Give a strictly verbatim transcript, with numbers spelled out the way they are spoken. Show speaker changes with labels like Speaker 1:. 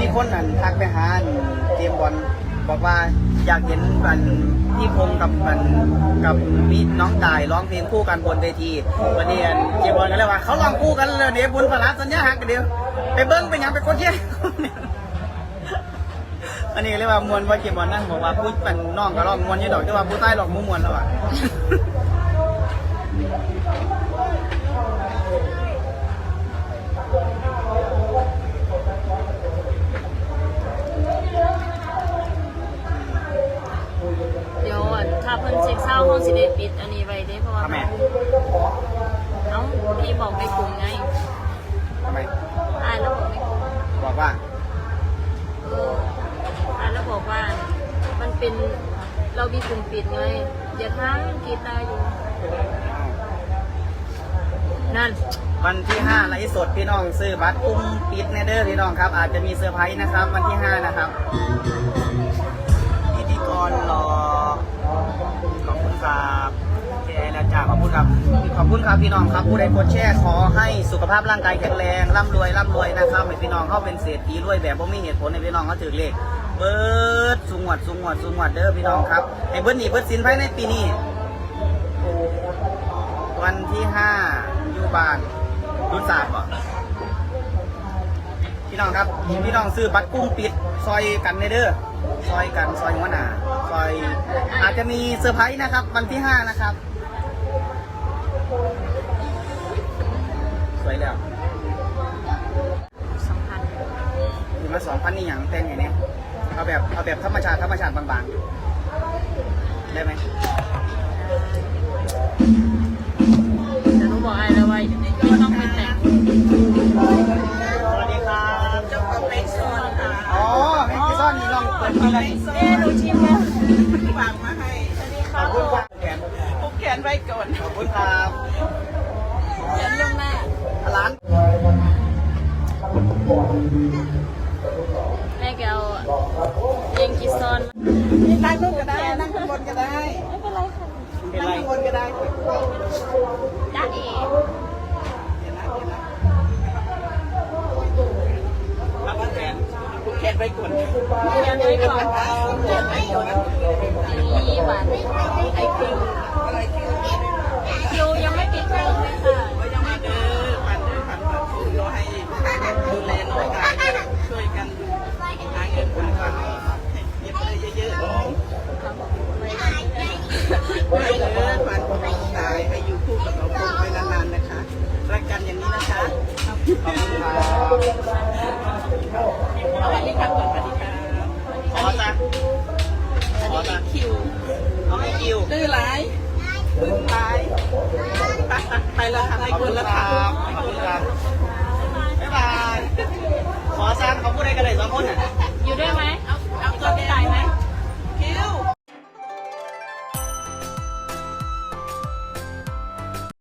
Speaker 1: คนนั้นทักไปหาเจมบอลบอกว่าอยากเห็นบันพี่พงกับบันกับมีน้องจ่ายร้องเพลงคู่กันบนเวทีวันนี้เจมบอลก็เลยว่าเขาร้องคู่กันเลยเดี๋ยวบุญพลาสัญญาหักกันเดียวไปเบิ้งไปยังไปคนเชี่ยอันนี้เรียกว่ามวลว่าเจมบอลนั่งบอกว่าพูดเป็นน้องก็ร้องมวลยี่ดอกแต่ว่าผู้ใต้ร้องมุ้งมวลแล้วอ่ะ
Speaker 2: ถ้าเพิ่นเช็คเศร้าห้องสิเดปิดอันนี้ไว้ได้เพราะว่าเอ้าพี่บอกในกลุ่มไง
Speaker 1: ทำไม
Speaker 2: อ่านแล้วบอกในกลุ่ม
Speaker 1: บอกว่า
Speaker 2: เอออ่านแล้วบอกว่ามันเป็นเรามีกลุ่มปิดไงอย่าท้ากีตาร์อยู่นั่น
Speaker 1: วันที่ห้าไลฟ์สดพี่น้องซื้อบัตรกลุ่มปิดแน่เด้อพี่น้องครับอาจจะมีเซอร์ไพรส์นะครับวันที่ห้านะครับพิธีกรรอขอบคุณครับแกแล้วจ้าขอบคุณครับขอบคุณครับพี่น้องครับผู้ใดกดแชร์ขอให้สุขภาพร่างกายแข็งแรงร่ำรวยร่ำรวยนะครับให้พี่น้องเขาเป็นเศรษฐีรวยแบบว่าไม่เหตุผลในพี่น้องเขาถือเลขเบิร์ดสุงหวัดสุงหวัดสุงหวัดเด้อพี่น้องครับให้เบิร์ดหนีเบิร์ดสินภายในปีนี้วันที่ห้าอยู่บ้านรุ่นศาสตร์บ่พี่น้องครับพี่น้องซื้อบัตรกุ้งปิดซอยกันในเด้อซอยกันซอยหัวหน้าซอยอาจจะมีเซอร์ไพรส์นะครับวันที่ห้านะครับสวยแล้ว
Speaker 2: สองพัน
Speaker 1: มีมาสองพันนี่อย่างเต้นอย่างนี้เอาแบบเอาแบบธรรมชาติธรรมชาติบางๆได้ไหม
Speaker 2: แต่หนูบอกไอ้แล้วว่าไม่ต้องไปแต่ง
Speaker 1: สวัสดีครับ
Speaker 3: เจ้าของแม็กซ์ซอนค่ะ
Speaker 1: อ๋อแม็กซ์ซอนนี่ลองเปิดทีละ
Speaker 3: เอ๊ะหนูชิมแล้วฝากมาให้
Speaker 1: ขอบคุณครับแขน
Speaker 3: ผูกแขนไว้ก่อน
Speaker 1: ขอบคุณครับ
Speaker 2: เขียนลงหน้า
Speaker 1: ร้าน
Speaker 2: แม่แกเอาเองกิซอน
Speaker 3: นี่นั่งนู่นก็ได้นั่งข้างบนก็ได้
Speaker 2: ไม่เป็นไรค่ะ
Speaker 3: นั่งข้างบนก็ได้
Speaker 2: จ้าเอ๋
Speaker 3: ผูกแขนไว้ก่อน
Speaker 2: เขียนไว้ก่อนเขียนไว้ก่อนนี่หวานไอคิวคิวยังไม่ปิดเทอมเลยค่ะ
Speaker 3: ยังไม่เด้อปันเด้อปันปันคือเราให้ดูแลน้องกายช่วยกันดูหาเงินปันปันเย็บเลยเยอะๆไม่เด้อปันตายให้อยู่คู่กับเราไปนานๆนะคะรักกันอย่างนี้นะคะ
Speaker 1: ขอบคุณครับ
Speaker 3: สวัสดีครับสวัสดีครับ
Speaker 1: ขอจ้ะ
Speaker 3: อันนี้คิว
Speaker 1: เอาให้คิว
Speaker 3: ดื้อไรดื้อไรไปไปแล้วค่ะให้คุณแล้วครับ
Speaker 1: ขอบคุณครับบ๊ายบายขอจ้ะเขาพูดอะไรกันเลยสองคนอ่ะ